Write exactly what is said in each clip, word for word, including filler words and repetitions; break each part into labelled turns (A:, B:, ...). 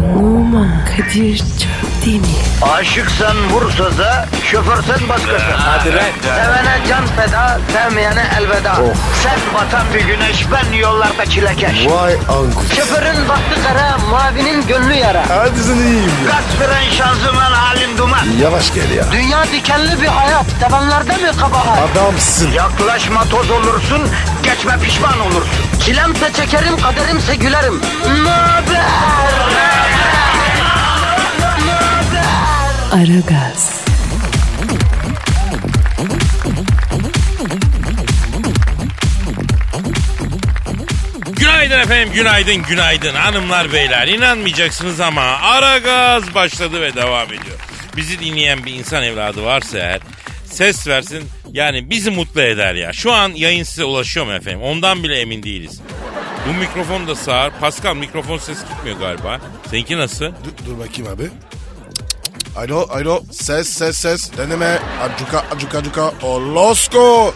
A: Numan Kadir Çöpdemir.
B: Aşıksan vursa da, şoförsen başkasın.
C: Hadi lan.
B: Sevene can feda, sevmeyene elveda. Sen batan bir güneş, ben yollarda çilekeş.
C: Vay anku.
B: Şoförün baktı kara, mavinin gönlü yara.
C: Hadi sen iyiyim ya.
B: Kasperen şanzıman halin duman.
C: Yavaş gel ya.
B: Dünya dikenli bir hayat, sevenlerde mi kabahar?
C: Adamsın.
B: Yaklaşma toz olursun, geçme pişman olursun. Çilemse çekerim, kaderimse gülerim. Möber!
A: Aragaz.
D: Günaydın efendim, günaydın, günaydın hanımlar beyler. İnanmayacaksınız ama Aragaz başladı ve devam ediyor. Bizi dinleyen bir insan evladı varsa eğer ses versin, yani bizi mutlu eder ya. Şu an yayın size ulaşıyor mu efendim? Ondan bile emin değiliz. Bu mikrofon da sağır. Pascal, mikrofon ses gitmiyor galiba. Seninki nasıl?
C: Dur, dur bakayım abi. Alo alo ses ses ses deneme acuka acuka acuka olosko.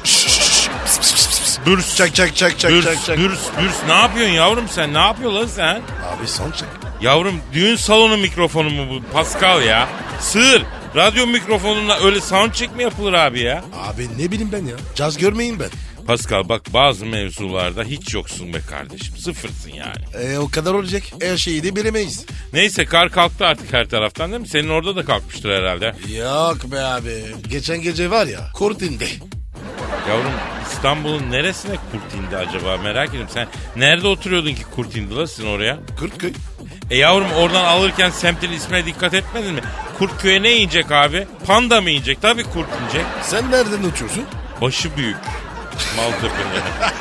D: Bürs.
C: Çek çek çek çek
D: Bürs,
C: çek çek.
D: bürs, bürs. Ne yapıyorsun yavrum sen? Ne yapıyorsun lan sen?
C: Abi son çek.
D: Yavrum düğün salonu mikrofonu mu bu Pascal ya? Sığır. Radyo mikrofonuna öyle sound check mi yapılır abi ya?
C: Abi ne bileyim ben ya. Caz görmeyin ben.
D: Pascal bak, bazı mevzularda hiç yoksun be kardeşim. Sıfırsın yani.
C: E o kadar olacak. Her şeyi de bilemeyiz.
D: Neyse, kar kalktı artık her taraftan değil mi? Senin orada da kalkmıştır herhalde.
C: Yok be abi. Geçen gece var ya kurt indi.
D: Yavrum İstanbul'un neresine kurt indi acaba, merak ediyorum. Sen nerede oturuyordun ki kurt indi la sizin oraya?
C: Kurtköy.
D: E yavrum, oradan alırken semtin ismine dikkat etmedin mi? Kurtköy'e ne inecek abi? Panda mı inecek? Tabii kurt inecek.
C: Sen nereden uçuyorsun?
D: Başı büyük. Maltepe'de.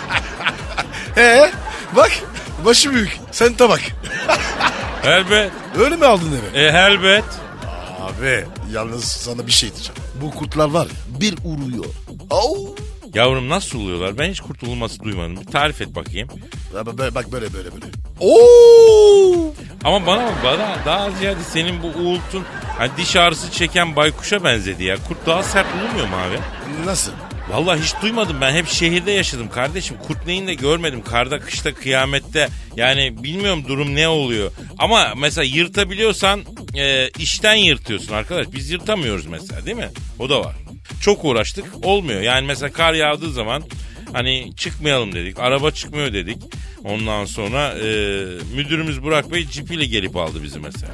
C: He bak başı büyük. Sen tabak.
D: Elbet.
C: Öyle mi aldın eve?
D: E elbet.
C: Abi yalnız sana bir şey diyeceğim. Bu kurtlar var ya bir uğruyor. Au.
D: Yavrum nasıl oluyorlar? Ben hiç kurtulması duymadım. Bir tarif et bakayım.
C: Bak, bak böyle böyle böyle. Oo.
D: Ama bana bana daha ziyade senin bu uğultun hani diş ağrısı çeken baykuşa benzedi ya. Kurt daha sert olmuyor mu abi?
C: Nasıl?
D: Vallahi hiç duymadım, ben hep şehirde yaşadım kardeşim. Kurt neyini de görmedim. Karda, kışta, kıyamette. Yani bilmiyorum durum ne oluyor. Ama mesela yırtabiliyorsan e, işten yırtıyorsun arkadaş. Biz yırtamıyoruz mesela, değil mi? O da var. Çok uğraştık, olmuyor. Yani mesela kar yağdığı zaman hani çıkmayalım dedik. Araba çıkmıyor dedik. Ondan sonra e, müdürümüz Burak Bey cipiyle gelip aldı bizi mesela.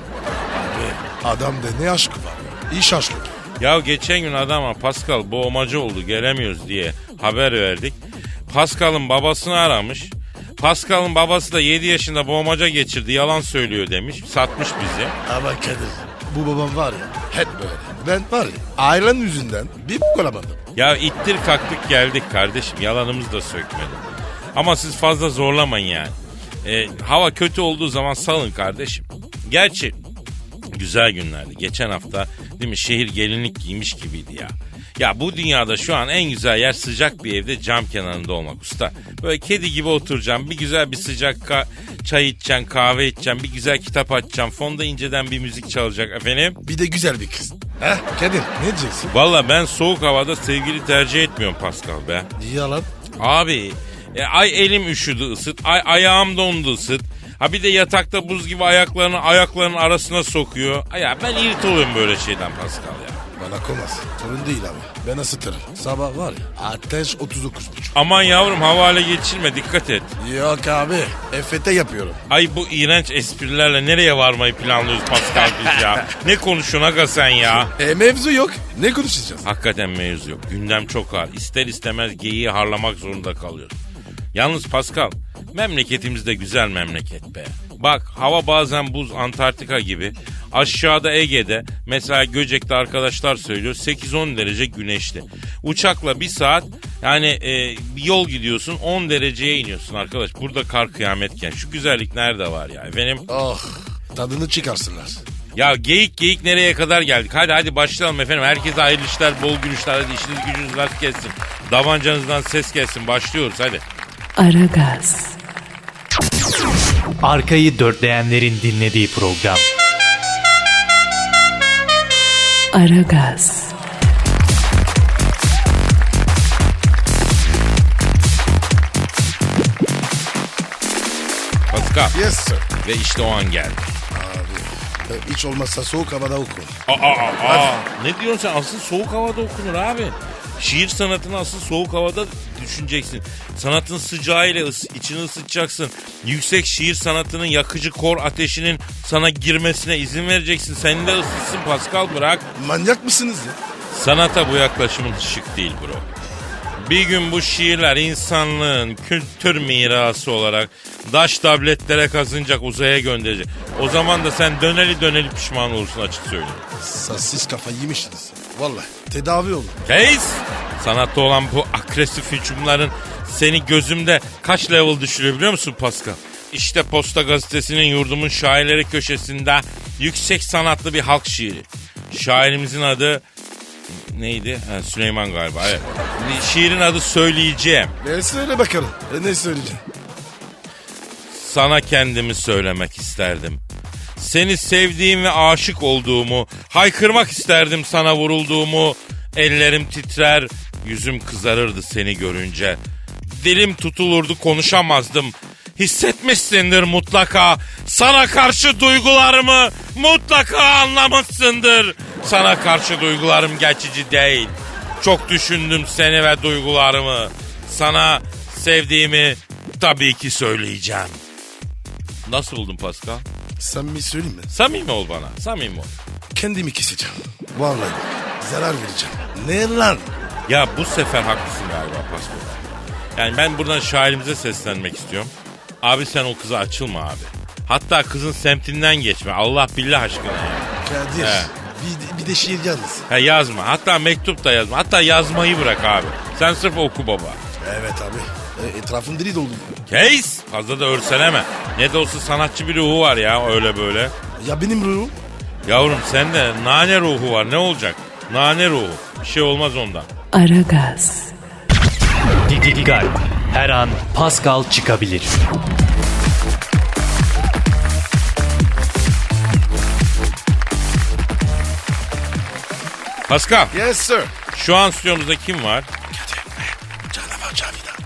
C: Abi adamda ne aşkı var ya. İş aşkı.
D: Ya geçen gün adama Pascal boğmacı oldu gelemiyoruz diye haber verdik. Pascal'ın babasını aramış. Pascal'ın babası da yedi yaşında boğmaca geçirdi, yalan söylüyor demiş. Satmış bizi.
C: Ama Kadir bu babam var ya hep böyle. Ben var ya ailen yüzünden bir b**k olamadım.
D: Ya ittir kalktık geldik kardeşim, yalanımızı da sökmedi. Ama siz fazla zorlamayın yani. E, hava kötü olduğu zaman salın kardeşim. Gerçi güzel günlerdi. Geçen hafta değil mi, şehir gelinlik giymiş gibiydi ya. Ya bu dünyada şu an en güzel yer sıcak bir evde cam kenarında olmak usta. Böyle kedi gibi oturacağım, bir güzel bir sıcak ka- çay içeceğim, kahve içeceğim, bir güzel kitap açacağım. Fonda inceden bir müzik çalacak efendim.
C: Bir de güzel bir kız. Heh Kadir ne diyeceksin?
D: Valla ben soğuk havada sevgili tercih etmiyorum Pascal be.
C: Yalan.
D: Abi e, ay elim üşüdü ısıt, ay ayağım dondu ısıt. Ha bir de yatakta buz gibi ayaklarını ayaklarının arasına sokuyor. Ya ben irit oluyorum böyle şeyden Pascal ya.
C: Bana komaz. Sorun değil abi. Ben ısıtırım. Sabah var ya ateş otuz dokuz buçuk.
D: Aman yavrum, havale geçirme, dikkat et.
C: Yok abi. E F T yapıyorum.
D: Ay bu iğrenç esprilerle nereye varmayı planlıyoruz Pascal biz ya? Ne konuşuyorsun aga sen ya?
C: E mevzu yok. Ne konuşacağız?
D: Hakikaten mevzu yok. Gündem çok ağır. İster istemez geyiği harlamak zorunda kalıyoruz. Yalnız Pascal, memleketimiz de güzel memleket be. Bak hava bazen buz, Antarktika gibi. Aşağıda Ege'de mesela Göcek'te arkadaşlar söylüyor sekiz on derece güneşli. Uçakla bir saat yani e, bir yol gidiyorsun, on dereceye iniyorsun arkadaş. Burada kar kıyametken şu güzellik nerede var ya efendim?
C: Oh tadını çıkarsınlar.
D: Ya geyik geyik nereye kadar geldik? Hadi hadi başlayalım efendim. Herkese hayırlı işler, bol gülüşler. Hadi işiniz gücünüz rast gelsin. Davancanızdan ses gelsin. Başlıyoruz hadi.
A: Aragaz.
E: Arkayı dörtleyenlerin dinlediği program.
A: Aragaz.
D: Pascal.
C: Yes sir.
D: Ve işte o an geldi.
C: Abi e, hiç olmazsa soğuk havada oku.
D: Aa, aa, aa. Ne diyorsun sen? Asıl soğuk havada okunur abi. Şiir sanatını asıl soğuk havada düşüneceksin. Sanatın sıcağıyla ıs- içini ısıtacaksın. Yüksek şiir sanatının yakıcı kor ateşinin sana girmesine izin vereceksin. Seni de ısıtsın Pascal, bırak.
C: Manyak mısınız ya?
D: Sanata bu yaklaşımın şık değil bro. Bir gün bu şiirler insanlığın kültür mirası olarak daş tabletlere kazınacak, uzaya gönderecek. O zaman da sen döneli döneli pişman olursun, açık söyleyeyim.
C: Sa- Siz kafayı yemişsiniz. Vallahi tedavi olun.
D: Case! Sanatta olan bu agresif hücumların seni gözümde kaç level düşürüyor biliyor musun Pascal? İşte Posta Gazetesi'nin Yurdumun Şairleri köşesinde yüksek sanatlı bir halk şiiri. Şairimizin adı neydi? Ha, Süleyman galiba. Evet. Şiirin adı Söyleyeceğim.
C: Ne söyle bakalım. E, ne söyleyeceğim?
D: Sana kendimi söylemek isterdim. Seni sevdiğim ve aşık olduğumu, haykırmak isterdim sana vurulduğumu. Ellerim titrer, yüzüm kızarırdı seni görünce. Dilim tutulurdu, konuşamazdım. Hissetmişsindir mutlaka. Sana karşı duygularımı mutlaka anlamışsındır. Sana karşı duygularım geçici değil. Çok düşündüm seni ve duygularımı. Sana sevdiğimi tabii ki söyleyeceğim. Nasıl buldun Pascal?
C: Sen bir söyleyeyim mi?
D: Samimi ol bana, samimi ol.
C: Kendimi keseceğim. Vallahi zarar vereceğim. Ne lan?
D: Ya bu sefer haklısın galiba Pascal. Yani ben buradan şairimize seslenmek istiyorum. Abi sen o kıza açılma abi. Hatta kızın semtinden geçme. Allah billah aşkına ya.
C: Kadir.
D: He.
C: Bir, bir de şiir yalnız.
D: Ha, yazma. Hatta mektup da yazma. Hatta yazmayı bırak abi. Sen sırf oku baba.
C: Evet abi. E, etrafım deli doldu.
D: Case! Fazla da örseleme. Ne de olsa sanatçı bir ruhu var ya, öyle böyle.
C: Ya benim ruhum?
D: Yavrum sende nane ruhu var, ne olacak? Nane ruhu. Bir şey olmaz ondan.
A: Aragaz,
E: Dikkat. Her an Pascal çıkabilir.
D: Pascal,
C: Yes sir.
D: şu an stüdyomuzda kim var?
C: Canavar Cavidan.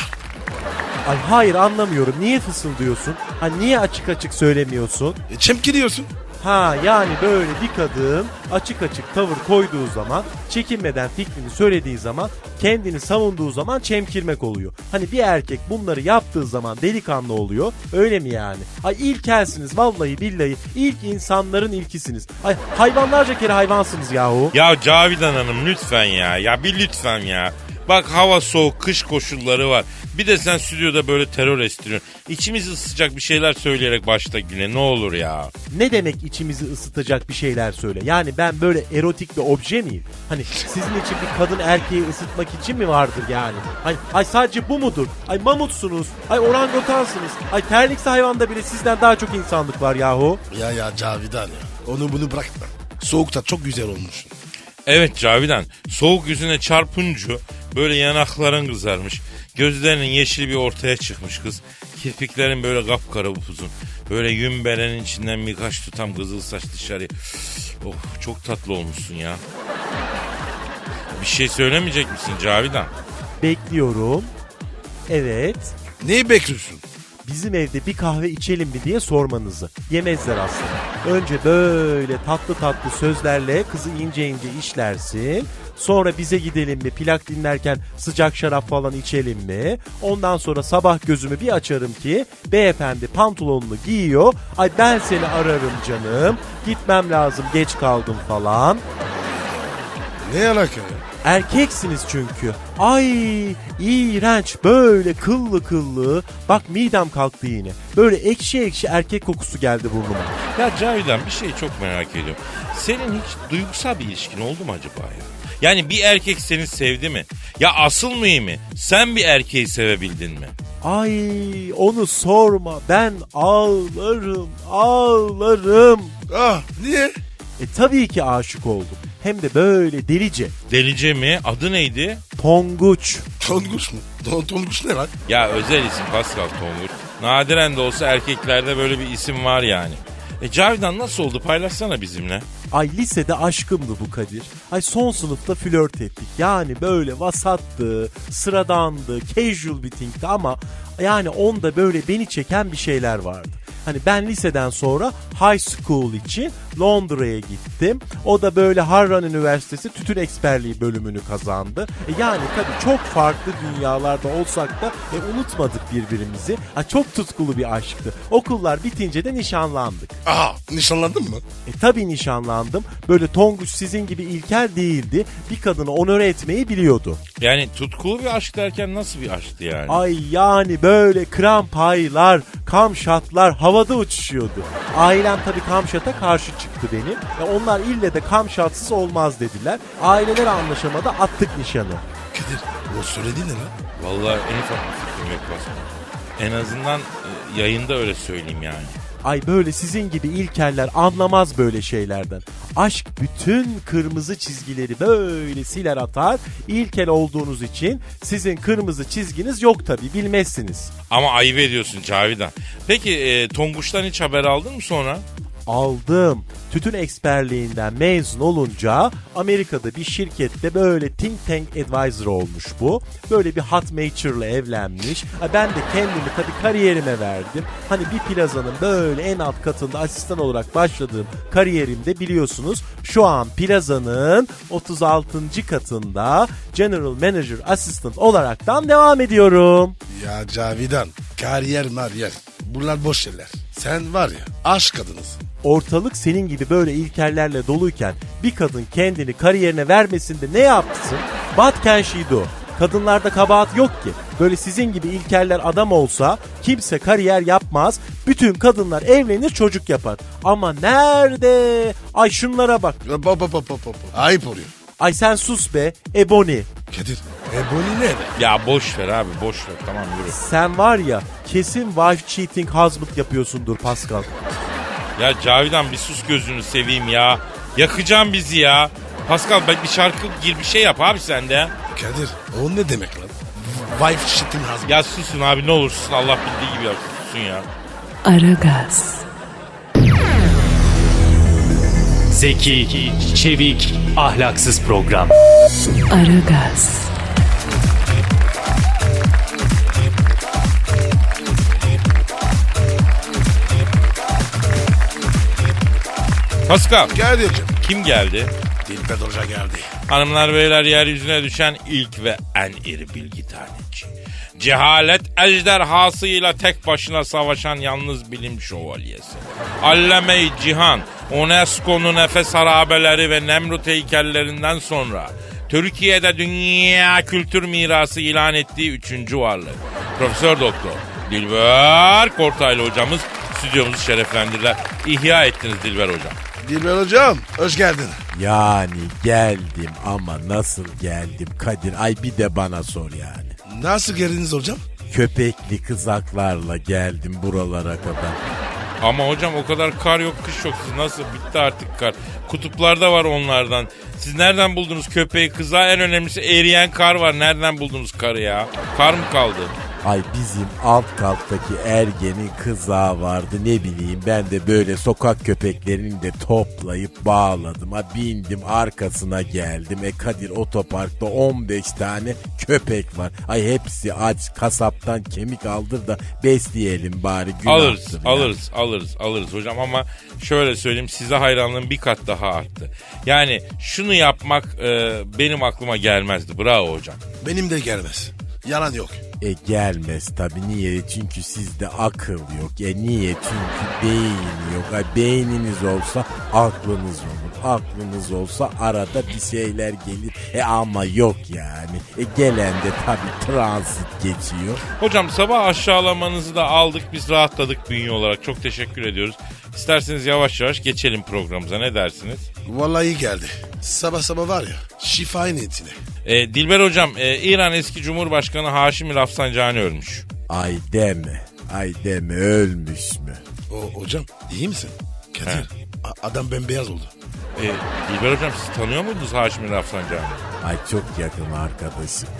F: Ay hayır, anlamıyorum. Niye fısıldıyorsun? Ha niye açık açık söylemiyorsun?
C: E, çemkiriyorsun.
F: Ha yani böyle bir kadın açık açık tavır koyduğu zaman, çekinmeden fikrini söylediği zaman, kendini savunduğu zaman çemkirmek oluyor. Hani bir erkek bunları yaptığı zaman delikanlı oluyor. Öyle mi yani? Ay ilkelsiniz vallahi billahi. İlk insanların ilkisiniz. Ay hayvanlarca kere hayvansınız yahu.
D: Ya Cavidan Hanım lütfen ya. Ya bir lütfen ya. Bak hava soğuk, kış koşulları var. Bir de sen stüdyoda böyle terör estiriyorsun. İçimizi ısıtacak bir şeyler söyleyerek başla güne, ne olur ya.
F: Ne demek içimizi ısıtacak bir şeyler söyle? Yani ben böyle erotik bir obje miyim? Hani sizin için bir kadın erkeği ısıtmak için mi vardır yani? Ay, ay sadece bu mudur? Ay mamutsunuz, ay orangotansınız, ay terlikse hayvanda bile sizden daha çok insanlık var yahu.
C: Ya ya Cavidan ya. Onu bunu bırakma. Soğukta çok güzel olmuşsun.
D: Evet Cavidan, soğuk yüzüne çarpınca böyle yanakların kızarmış. Gözlerinin yeşili bir ortaya çıkmış kız. Kirpiklerin böyle kapkara upuzun. Böyle yün berenin içinden birkaç tutam kızıl saç dışarıya. Oh, çok tatlı olmuşsun ya. Bir şey söylemeyecek misin Cavidan?
F: Bekliyorum. Evet.
C: Neyi bekliyorsun?
F: Bizim evde bir kahve içelim mi diye sormanızı. Yemezler aslında. Önce böyle tatlı tatlı sözlerle kızı ince ince işlersin. Sonra bize gidelim mi, plak dinlerken sıcak şarap falan içelim mi? Ondan sonra sabah gözümü bir açarım ki beyefendi pantolonunu giyiyor. Ay ben seni ararım canım. Gitmem lazım, geç kaldım falan.
C: Ne alaka ya?
F: Erkeksiniz çünkü. Ay iğrenç, böyle kıllı kıllı. Bak midem kalktı yine. Böyle ekşi ekşi erkek kokusu geldi burnuma.
D: Ya Cavidan, bir şey çok merak ediyorum. Senin hiç duygusal bir ilişkin oldu mu acaba ya? Yani bir erkek seni sevdi mi? Ya asıl mühimi, sen bir erkeği sevebildin mi?
F: Ay onu sorma, ben ağlarım ağlarım.
C: Ah niye?
F: E tabii ki aşık oldum. Hem de böyle delice.
D: Delice mi? Adı neydi?
F: Tonguç.
C: Tonguç mu? Ton, tonguç ne lan?
D: Ya özel isim Pascal Tonguç. Nadiren de olsa erkeklerde böyle bir isim var yani. E Cavidan nasıl oldu? Paylaşsana bizimle.
F: Ay lisede aşkımdı bu Kadir. Ay son sınıfta flört ettik. Yani böyle vasattı, sıradandı, casual bir thing'ti ama yani onda böyle beni çeken bir şeyler vardı. Hani ben liseden sonra high school için Londra'ya gittim. O da böyle Harran Üniversitesi tütün eksperliği bölümünü kazandı. E yani tabii çok farklı dünyalarda olsak da e, unutmadık birbirimizi. Ha, çok tutkulu bir aşktı. Okullar bitince de nişanlandık.
C: Aha, nişanlandın mı?
F: E tabii nişanlandım. Böyle Tonguç sizin gibi ilkel değildi. Bir kadını onore etmeyi biliyordu.
D: Yani tutkulu bir aşk derken nasıl bir aşktı yani?
F: Ay yani böyle krampaylar, kamşatlar havada uçuşuyordu. Ailem tabii kamşata karşı çıktı benim. E onlar ille de kamşatsız olmaz dediler. Aileler anlaşamadı, attık nişanı.
C: Kadir, o söyledi ne lan?
D: Vallahi en ufak bir fikrim yok Pascal. En azından e, yayında öyle söyleyeyim yani.
F: Ay böyle sizin gibi ilkeller anlamaz böyle şeylerden. Aşk bütün kırmızı çizgileri böyle siler atar. İlkel olduğunuz için sizin kırmızı çizginiz yok tabii, bilmezsiniz.
D: Ama ayıp ediyorsun Cavidan. Peki e, Tonguç'tan hiç haber aldın mı sonra?
F: Aldım. Tütün eksperliğinden mezun olunca Amerika'da bir şirkette böyle think tank advisor olmuş bu. Böyle bir hot matur'la evlenmiş. Ben de kendimi tabii kariyerime verdim. Hani bir plazanın böyle en alt katında asistan olarak başladığım kariyerimde biliyorsunuz şu an plazanın otuz altıncı katında General Manager Assistant olaraktan devam ediyorum.
C: Ya Cavidan, kariyer mariyer. Bunlar boş şeyler. Sen var ya, aşk kadınısın.
F: Ortalık senin gibi böyle ilkellerle doluyken bir kadın kendini kariyerine vermesinde ne yapsın? What can she do? Kadınlarda kabahat yok ki. Böyle sizin gibi ilkeller adam olsa kimse kariyer yapmaz. Bütün kadınlar evlenir, çocuk yapar. Ama nerede? Ay şunlara bak.
C: Hop hop hop hop hop. Ayıp oluyor.
F: Ay sen sus be Ebony.
C: Kadir, Ebony ne be?
D: Ya boş ver abi, boş ver, tamam yürü.
F: Sen var ya kesin wife cheating husband yapıyorsundur Pascal.
D: Ya Cavidan bir sus gözünü seveyim ya. Yakacağım bizi ya. Pascal bak bir şarkı gir, bir şey yap abi sen de.
C: Kadir, o ne demek lan? Wife shit'in husband.
D: Ya susun abi ne olursun, Allah bildiği gibi yap, susun ya.
A: Aragaz,
E: Zeki, çevik, ahlaksız program.
A: Aragaz,
D: Pascal
C: Kadir'cim.
D: kim geldi?
C: Dilber Hoca geldi.
D: Hanımlar beyler, yeryüzüne düşen ilk ve en iri bilgi taneci. Cehalet ejderhasıyla tek başına savaşan yalnız bilim şövalyesi. Allame-i Cihan, UNESCO'nun Efes harabeleri ve Nemrut heykellerinden sonra Türkiye'de dünya kültür mirası ilan ettiği üçüncü varlık. Profesör Doktor Dilber Kortaylı hocamız stüdyomuzu şereflendirdiler. İhya ettiniz Dilber hocam.
C: Dilber Hocam, hoş geldin.
F: Yani geldim ama nasıl geldim Kadir? Ay bir de bana sor yani.
C: Nasıl geldiniz hocam?
F: Köpekli kızaklarla geldim buralara kadar.
D: Ama hocam o kadar kar yok, kış yok. Siz nasıl, bitti artık kar. Kutuplarda var onlardan. Siz nereden buldunuz köpeği, kızağı, en önemlisi eriyen kar var. Nereden buldunuz karı ya? Kar mı kaldı?
F: Ay bizim alt kattaki ergenin kızağı vardı, ne bileyim ben de böyle sokak köpeklerini de toplayıp bağladım. Ha bindim arkasına geldim. E Kadir otoparkta on beş tane köpek var. Ay hepsi aç, kasaptan kemik aldır da besleyelim bari, günahtır.
D: Alırız,
F: ya.
D: alırız, alırız, alırız hocam ama şöyle söyleyeyim, size hayranlığım bir kat daha arttı. Yani şunu yapmak e, benim aklıma gelmezdi. Bravo hocam.
C: Benim de gelmez. Yalan yok.
F: E gelmez tabi, niye? Çünkü sizde akıl yok. E niye? Çünkü beyin yok. Ay beyniniz olsa aklınız olur. Aklınız olsa arada bir şeyler gelir. E ama yok yani. E gelen de tabi transit geçiyor.
D: Hocam sabah aşağılamanızı da aldık, biz rahatladık bünye olarak. Çok teşekkür ediyoruz. İsterseniz yavaş yavaş geçelim programımıza, ne dersiniz?
C: Vallahi iyi geldi. Sabah sabah var ya, şifa niyetine.
D: E, Dilber hocam, e, İran eski Cumhurbaşkanı Haşimi Rafsanjani ölmüş.
F: Ay deme. Ay deme, ölmüş mü?
C: O hocam, iyi misin? Kadir, a- adam bembeyaz oldu.
D: E, Dilber hocam, siz tanıyor muydunuz Haşimi Rafsanjani?
F: Ay çok yakın arkadaşım.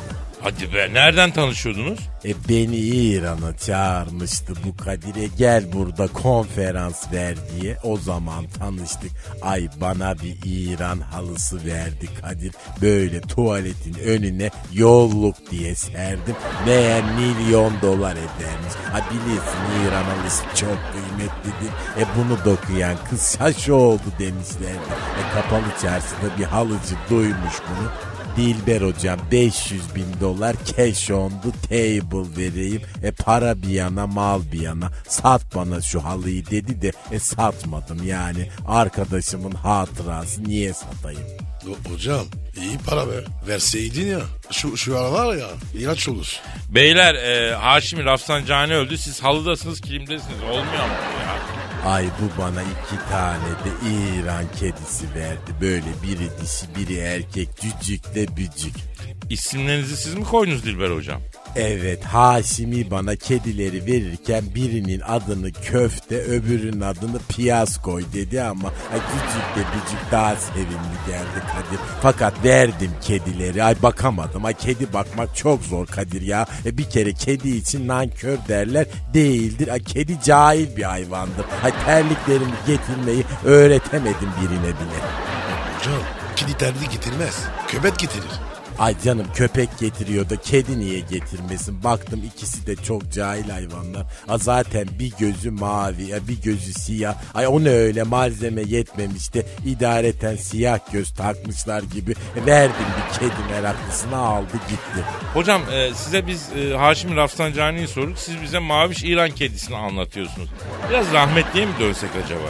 D: Hadi be, nereden tanışıyordunuz?
F: E beni İran'a çağırmıştı bu Kadir'e, gel burada konferans ver diye. O zaman tanıştık. Ay bana bir İran halısı verdi Kadir. Böyle tuvaletin önüne yolluk diye serdim. Meğer milyon dolar edermiş. Ha bilirsin İran halısı çok kıymetlidir. E bunu dokuyan kız şaş oldu demişlerdi. E kapalı çarşıda bir halıcı duymuş bunu. Dilber hocam beş yüz bin dolar cash on the table vereyim. E para bir yana mal bir yana, sat bana şu halıyı dedi de e satmadım yani. Arkadaşımın hatırası, niye satayım?
C: O- hocam iyi para be. Verseydin ya. Şu, şu aralar ya ilaç olur.
D: Beyler, e, Haşimi Rafsanjani öldü. Siz halıdasınız, kilimdesiniz. Olmuyor mu bu ya?
F: Ay bu bana iki tane de İran kedisi verdi. Böyle biri dişi biri erkek, cücük de bücük.
D: İsimlerinizi siz mi koydunuz Dilber hocam?
F: Evet, Haşimi bana kedileri verirken birinin adını köfte, öbürünün adını piyaz koy dedi ama ay, küçük de bücük daha sevimli geldi Kadir. Fakat verdim kedileri, ay bakamadım. Ay kedi bakmak çok zor Kadir ya. E, bir kere kedi için nankör derler, değildir. Ay kedi cahil bir hayvandır. Ay terliklerimi getirmeyi öğretemedim birine bile.
C: Hocam kedi terliği getirmez. Köpek getirir.
F: Ay canım köpek getiriyor da kedi niye getirmesin? Baktım ikisi de çok cahil hayvanlar. A zaten bir gözü mavi, ya bir gözü siyah. Ay o ne öyle, malzeme yetmemiş de idareten siyah göz takmışlar gibi. E, verdim bir kedi meraklısına, aldı gitti.
D: Hocam e, size biz e, Haşimi Rafsanjani'yi sorduk. Siz bize Maviş İran kedisini anlatıyorsunuz. Biraz rahmetliye mi dönsek acaba?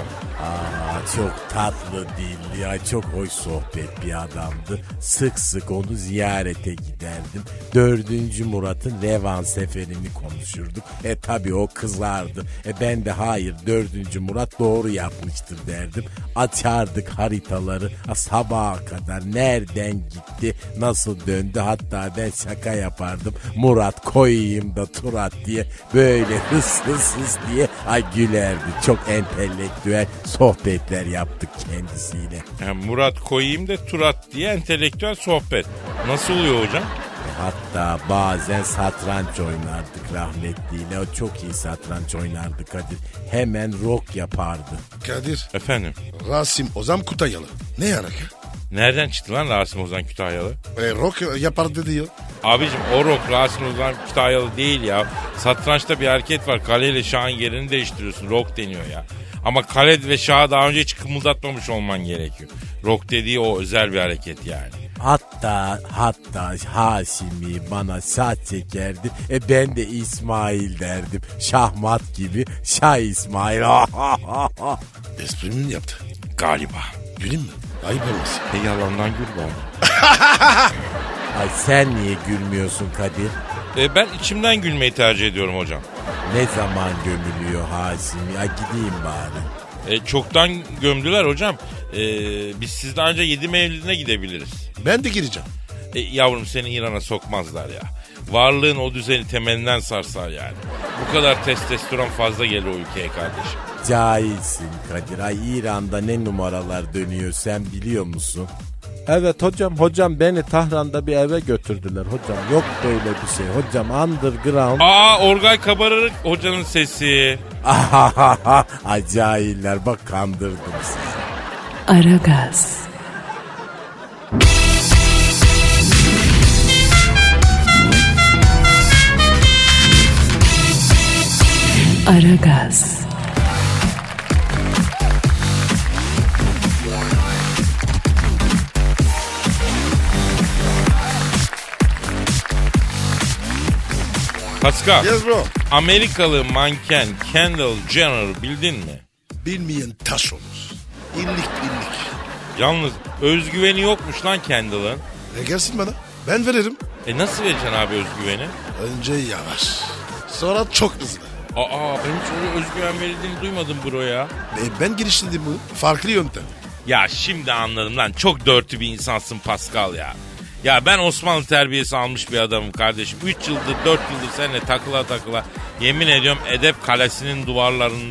F: Aa, çok tatlı dilli ya, çok hoş sohbet bir adamdı. Sık sık onu ziyarete giderdim. Dördüncü Murat'ın Revan seferini konuşurduk. E tabi o kızardı. E ben de hayır, dördüncü Murat doğru yapmıştır derdim. Açardık haritaları a, sabaha kadar nereden gitti, nasıl döndü, hatta ben şaka yapardım. Murat koyayım da Turat diye, böyle hıs hıs hıs diye ay gülerdi. Çok entelektüel sohbetler yaptık kendisiyle.
D: Yani Murat koyayım da Turat diye entelektüel sohbet. Nasıl oluyor hocam?
F: Hatta bazen satranç oynardık rahmetliyle. O çok iyi satranç oynardı Kadir. Hemen rock yapardı.
C: Kadir.
D: Efendim?
C: Rasim Ozan Kutayalı. Ne yarak?
D: Nereden çıktı lan Rasim Ozan Kütahyalı?
C: E, rock yapardı diyor.
D: Abicim o rock Rasim Ozan Kütahyalı değil ya. Satrançta bir hareket var. Kaleyle şahın yerini değiştiriyorsun. Rock deniyor ya. Ama kale ve şahı daha önce hiç kımıldatmamış olman gerekiyor. Rock dediği o özel bir hareket yani.
F: Hatta hatta Haşimi bana şah çekerdi. E ben de İsmail derdim. Şahmat gibi Şah İsmail.
C: Esprimi yaptı.
D: Galiba.
C: Güleyim mi? Ayıp olmasın.
D: E yalandan gül var.
F: Ay sen niye gülmüyorsun Kadir?
D: E ben içimden gülmeyi tercih ediyorum hocam.
F: Ne zaman gömülüyor Haşimi? Ay gideyim bari.
D: E, çoktan gömdüler hocam. E, biz sizden önce yedi Mevlidine gidebiliriz.
C: Ben de gireceğim.
D: E, yavrum seni İran'a sokmazlar ya. Varlığın o düzeni temelinden sarsar yani. Bu kadar testosteron fazla gelir o ülkeye kardeşim.
F: Cahilsin Kadir. Ay İran'da ne numaralar dönüyor sen biliyor musun? Evet hocam, hocam beni Tahran'da bir eve götürdüler hocam. Yok böyle bir şey hocam, underground.
D: Aa Orgay Kabarırık hocanın sesi.
F: Ay cahiller, bak kandırdım sizi.
A: Aragaz. Aragaz.
D: Pascal,
C: Yes bro.
D: Amerikalı manken Kendall Jenner bildin mi?
C: Bilmeyen taş olur. İllik illik.
D: Yalnız özgüveni yokmuş lan Kendall'ın.
C: E gelsin bana. Ben veririm.
D: E nasıl vereceksin abi özgüveni?
C: Önce yavaş. Sonra çok hızlı.
D: Aa ben hiç öyle özgüven verildiğini duymadım bro ya.
C: E, ben geliştirdim bunu. Farklı yöntem.
D: Ya şimdi anladım lan, çok dörtü bir insansın Pascal ya. Ya ben Osmanlı terbiyesi almış bir adamım kardeşim. üç yıldır dört yıldır seninle takıla takıla yemin ediyorum Edep Kalesi'nin duvarlarında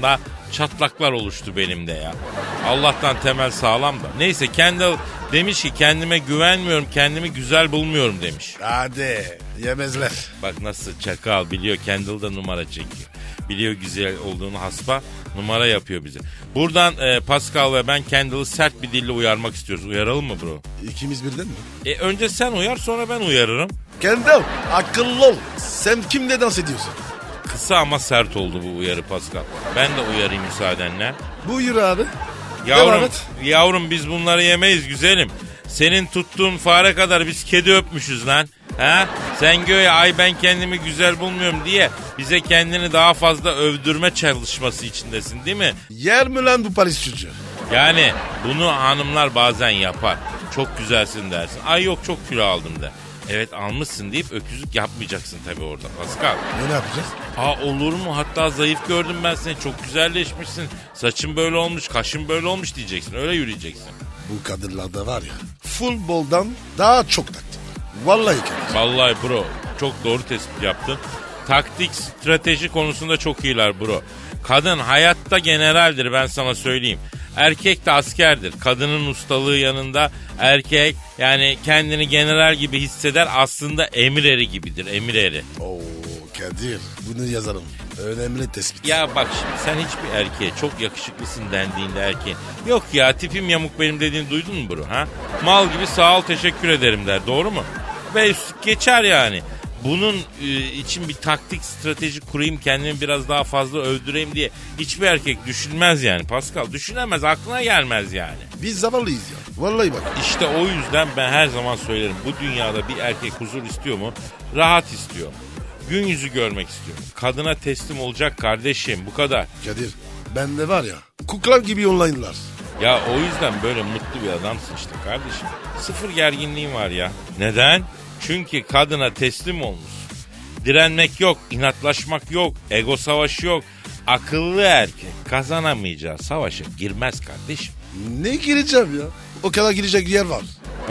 D: çatlaklar oluştu benim de ya. Allah'tan temel sağlam da. Neyse Kendall demiş ki kendime güvenmiyorum, kendimi güzel bulmuyorum demiş.
C: Hadi yemezler.
D: Bak nasıl çakal biliyor, Kendall da numara çekiyor. Biliyor güzel olduğunu haspa, numara yapıyor bize. Buradan e, Pascal ve ben Kendall'ı sert bir dille uyarmak istiyoruz. Uyaralım mı bro?
C: İkimiz birden mi?
D: E, önce sen uyar, sonra ben uyarırım.
C: Kendall akıllı ol. Sen kimle dans ediyorsun?
D: Kısa ama sert oldu bu uyarı Pascal. Ben de uyarayım müsaadenle.
C: Buyur abi.
D: Yavrum,
C: Devam et.
D: yavrum biz bunları yemeyiz güzelim. Senin tuttuğun fare kadar biz kedi öpmüşüz lan. Ha? Sen göğe ay ben kendimi güzel bulmuyorum diye bize kendini daha fazla övdürme çalışması içindesin değil mi?
C: Yer mi lan bu Paris çocuğu?
D: Yani bunu hanımlar bazen yapar. Çok güzelsin dersin. Ay yok çok kilo aldım da. Evet almışsın deyip öküzlük yapmayacaksın tabii orada Pascal.
C: Ne, ne yapacağız?
D: Aa olur mu? Hatta zayıf gördüm ben seni. Çok güzelleşmişsin. Saçın böyle olmuş, kaşın böyle olmuş diyeceksin. Öyle yürüyeceksin.
C: Bu kadınlarda var ya futboldan daha çok taktik. Vallahi Kadir.
D: Vallahi bro çok doğru tespit yaptın. Taktik, strateji konusunda çok iyiler bro. Kadın hayatta generaldir ben sana söyleyeyim. Erkek de askerdir. Kadının ustalığı yanında erkek yani kendini general gibi hisseder, aslında emir eri gibidir, emir eri.
C: Oo Kadir bunu yazalım. Önemli tespit.
D: Ya bak şimdi sen hiçbir erkeğe çok yakışıklısın dendiğinde erkeğin yok ya tipim yamuk benim dediğini duydun mu bro ha? Mal gibi sağ ol teşekkür ederim der, doğru mu? Ve üstlük geçer yani. Bunun e, için bir taktik strateji kurayım kendimi biraz daha fazla övdüreyim diye hiçbir erkek düşünmez yani Pascal. Düşünemez, aklına gelmez yani.
C: Biz zavallıyız ya. Vallahi bak.
D: İşte o yüzden ben her zaman söylerim bu dünyada bir erkek huzur istiyor mu? Rahat istiyor. Gün yüzü görmek istiyor. Kadına teslim olacak kardeşim, bu kadar.
C: Kadir bende var ya kuklar gibi online'lar.
D: Ya o yüzden böyle mutlu bir adamsın işte kardeşim. Sıfır gerginliğin var ya. Neden? Çünkü kadına teslim olmuş. Direnmek yok, inatlaşmak yok, ego savaşı yok. Akıllı erkek kazanamayacağı savaşa girmez kardeşim.
C: Ne gireceğim ya? O kadar girecek yer var.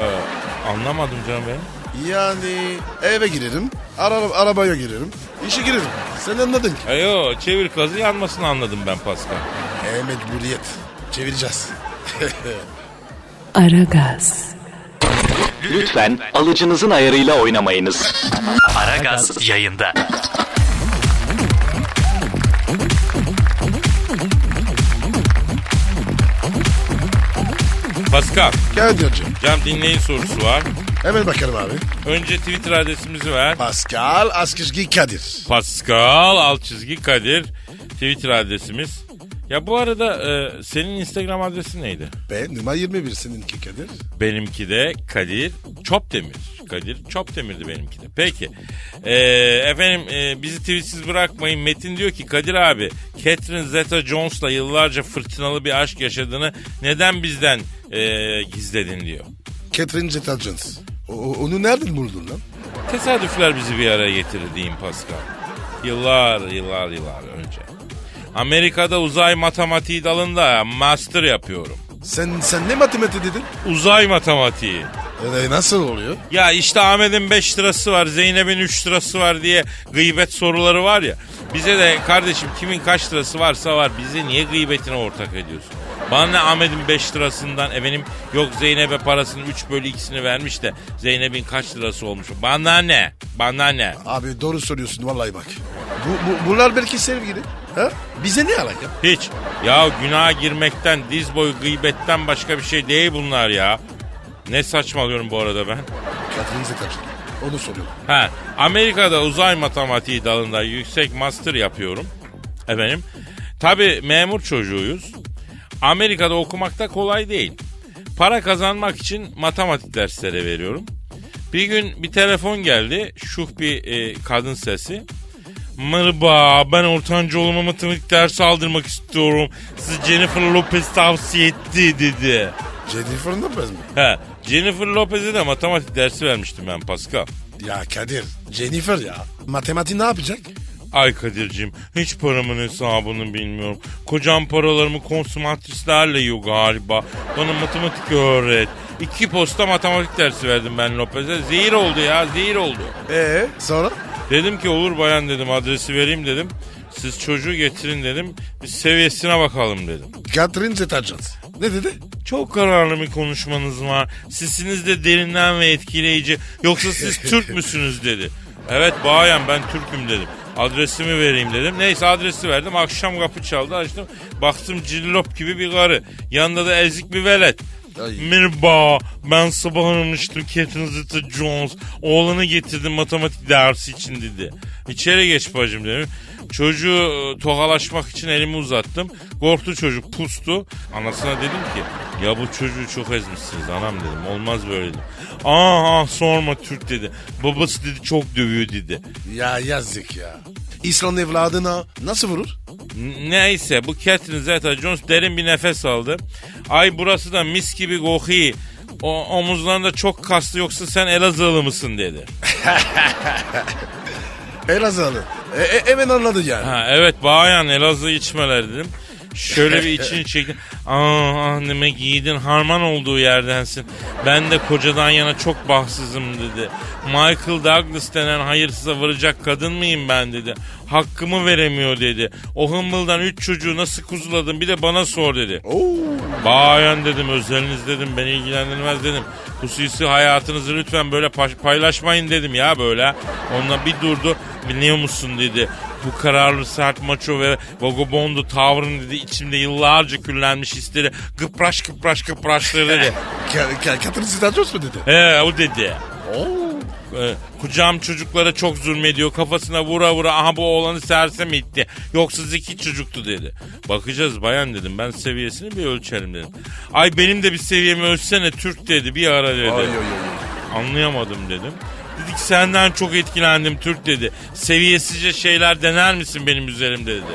D: Ee, anlamadım canım benim.
C: Yani eve girerim, ara, arabaya girerim, işe girerim. Sen anladın ki.
D: Ayo çevir kazı yanmasını anladım ben Pascal.
C: E mecburiyet. Çevireceğiz.
A: Aragaz,
E: Lütfen alıcınızın ayarıyla oynamayınız. Aragaz yayında.
D: Pascal,
C: Gel hocam.
D: cam dinleyin sorusu var.
C: Hemen bakalım abi.
D: Önce Twitter adresimizi ver.
C: Pascal Askışgi Kadir.
D: Pascal alt çizgi Kadir Twitter adresimiz. Ya bu arada e, senin Instagram adresin neydi?
C: Ben numara yirmi bir seninki Kadir.
D: Benimki de Kadir Çopdemir. Kadir Çopdemir'di benimki de. Peki. E, efendim e, bizi tweetsiz bırakmayın. Metin diyor ki Kadir abi Catherine Zeta-Jones'la yıllarca fırtınalı bir aşk yaşadığını neden bizden e, gizledin diyor.
C: Catherine Zeta-Jones. O- Onu nereden buldun lan?
D: Tesadüfler bizi bir araya getirdi diyeyim Pascal. Yıllar yıllar yıllar önce. Amerika'da uzay matematiği dalında master yapıyorum.
C: Sen sen ne matematik dedin?
D: Uzay matematiği.
C: E, nasıl oluyor?
D: Ya işte Ahmet'in beş lirası var, Zeynep'in üç lirası var diye gıybet soruları var ya. Bize de kardeşim kimin kaç lirası varsa var, bize niye gıybetine ortak ediyorsun? Bana ne Ahmet'in beş lirasından efendim yok Zeynep'e parasının üç bölü ikisini vermiş de Zeynep'in kaç lirası olmuş. Bana ne? Bana ne?
C: Abi doğru söylüyorsun vallahi bak. Bu, bu, bunlar belki sevgili. Ha? Bize ne alaka?
D: Hiç. Ya günaha girmekten, diz boyu gıybetten başka bir şey değil bunlar ya. Ne saçmalıyorum bu arada ben?
C: Catherine Zeta-Jones. Onu soruyorum.
D: Ha, Amerika'da uzay matematiği dalında yüksek master yapıyorum. Efendim. Tabii memur çocuğuyuz. Amerika'da okumak da kolay değil. Para kazanmak için matematik dersleri veriyorum. Bir gün bir telefon geldi. Şuh bir e, kadın sesi. Merhaba, ben ortanca oğluma matematik dersi aldırmak istiyorum. Sizi Jennifer Lopez tavsiye etti dedi.
C: Jennifer Lopez mi?
D: He, Jennifer Lopez'e de matematik dersi vermiştim ben Pascal.
C: Ya Kadir, Jennifer ya. Matematik ne yapacak?
D: Ay Kadir'cim hiç paramın hesabını bilmiyorum. Kocam paralarımı konsumatrislerle yiyor galiba. Bana matematik öğret. İki posta matematik dersi verdim ben Lopez'e. Zehir oldu ya, zehir oldu.
C: Ee sonra?
D: Dedim ki olur bayan dedim, adresi vereyim dedim. Siz çocuğu getirin dedim. Bir seviyesine bakalım dedim.
C: Catherine Zeta-Jones. Ne dedi?
D: Çok kararlı bir konuşmanız var. Sesiniz de derinden ve etkileyici. Yoksa siz Türk müsünüz dedi. Evet bayan ben Türk'üm dedim. Adresimi vereyim dedim. Neyse adresi verdim. Akşam kapı çaldı açtım. Baktım cillop gibi bir karı. Yanında da ezik bir velet.
C: Ay.
D: Merhaba ben sabah aramıştım Catherine Zeta-Jones. Oğlanı getirdim matematik dersi için dedi. İçeri geç bacım dedim. Çocuğu tokalaşmak için elimi uzattım. Korktu çocuk pustu. Anasına dedim ki ya bu çocuğu çok ezmişsiniz anam dedim. Olmaz böyle dedim. Aa ah, sorma Türk dedi. Babası dedi çok dövüyor dedi.
C: Ya yazık ya. İslam evladına nasıl vurur?
D: N- Neyse bu Catherine Zeta-Jones derin bir nefes aldı. Ay burası da mis gibi kokuyor. O omuzlarında çok kaslı yoksa sen Elazığlı mısın dedi.
C: Elazığlı. E, e, hemen anladı yani.
D: Ha, evet bayan Elazığ içmeler dedim. Şöyle bir içini çekti. Aa anneme giydin harman olduğu yerdensin. Ben de kocadan yana çok bahtsızım dedi. Michael Douglas denen hayırsıza varacak kadın mıyım ben dedi. Hakkımı veremiyor dedi. O hımbıldan üç çocuğu nasıl kuzuladın bir de bana sor dedi.
C: Oo.
D: Bayan dedim özeliniz dedim beni ilgilendirmez dedim. Hususi hayatınızı lütfen böyle paylaşmayın dedim ya böyle. Onunla bir durdu biliyor musun dedi. Bu kararlı sert maço ve vagabondu tavrın dedi içimde yıllarca küllenmiş hisleri kıpraş kıpraş kıpraşları dedi.
C: Catherine Zeta-Jones mu dedi?
D: He o dedi.
C: Oo.
D: Ee, kucağım çocuklara çok zulmediyor. Kafasına vura vura aha bu oğlanı sersem etti. Yoksa zeki çocuktu dedi. Bakacağız bayan dedim. Ben seviyesini bir ölçelim dedim. Ay benim de bir seviyemi ölçsene Türk dedi. Bir ara dedi.
C: Ay, ay, ay.
D: Anlayamadım dedim. Dedik senden çok etkilendim Türk dedi. Seviyesizce şeyler dener misin benim üzerimde dedi.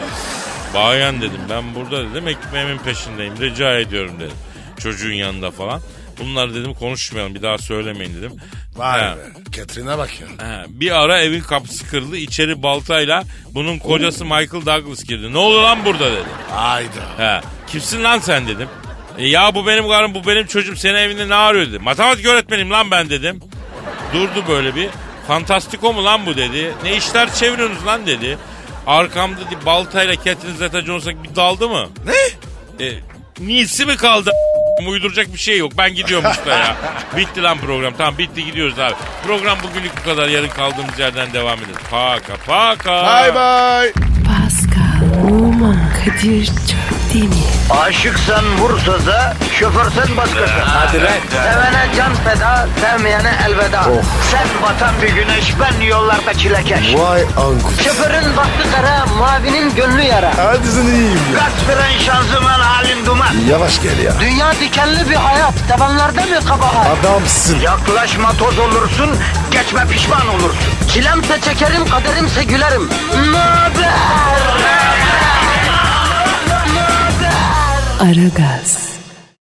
D: Bayan dedim ben burada dedim ekmeğimin peşindeyim. Rica ediyorum dedim. Çocuğun yanında falan. Bunları dedim konuşmayalım bir daha söylemeyin dedim.
C: Vay
D: Ha.
C: be. Catherine'e bak ya.
D: Ha, bir ara evin kapısı kırıldı. İçeri baltayla bunun kocası Michael Douglas girdi. Ne oluyor lan burada dedi.
C: Hayda.
D: Ha, kimsin lan sen dedim. E, ya bu benim karım bu benim çocuğum senin evinde ne arıyor dedi. Matematik öğretmeniyim lan ben dedim. Durdu böyle bir. Fantastiko mu lan bu dedi. Ne işler çeviriyorsunuz lan dedi. Arkamda dedi, baltayla Catherine Zeta-Jones'a bir daldı mı?
C: Ne?
D: E, niyesi mi kaldı? Uyduracak bir şey yok. Ben gidiyorum usta ya. Bitti lan program. Tamam bitti gidiyoruz abi. Program bugünlük bu kadar. Yarın kaldığımız yerden devam ederiz. Paka paka.
C: Bye bye.
A: Pascal, Oman, Kadir çok değil mi?
B: Aşıksan vursa da, şoförsen başkasın. Hadi
C: lan.
B: Sevene can feda, sevmeyene elveda. Sen batan bir güneş, ben yollarda çilekeş.
C: Vay anku.
B: Şoförün baktı kara, mavinin gönlü yara.
C: Hadi sen iyiyim ya.
B: Kasperen şanzıman halin duman.
C: Yavaş gel ya.
B: Dünya dikenli bir hayat, sevenlerde mi kabahar?
C: Adamsın.
B: Yaklaşma toz olursun, geçme pişman olursun. Çilemse çekerim, kaderimse gülerim. Möber!
A: Aragaz.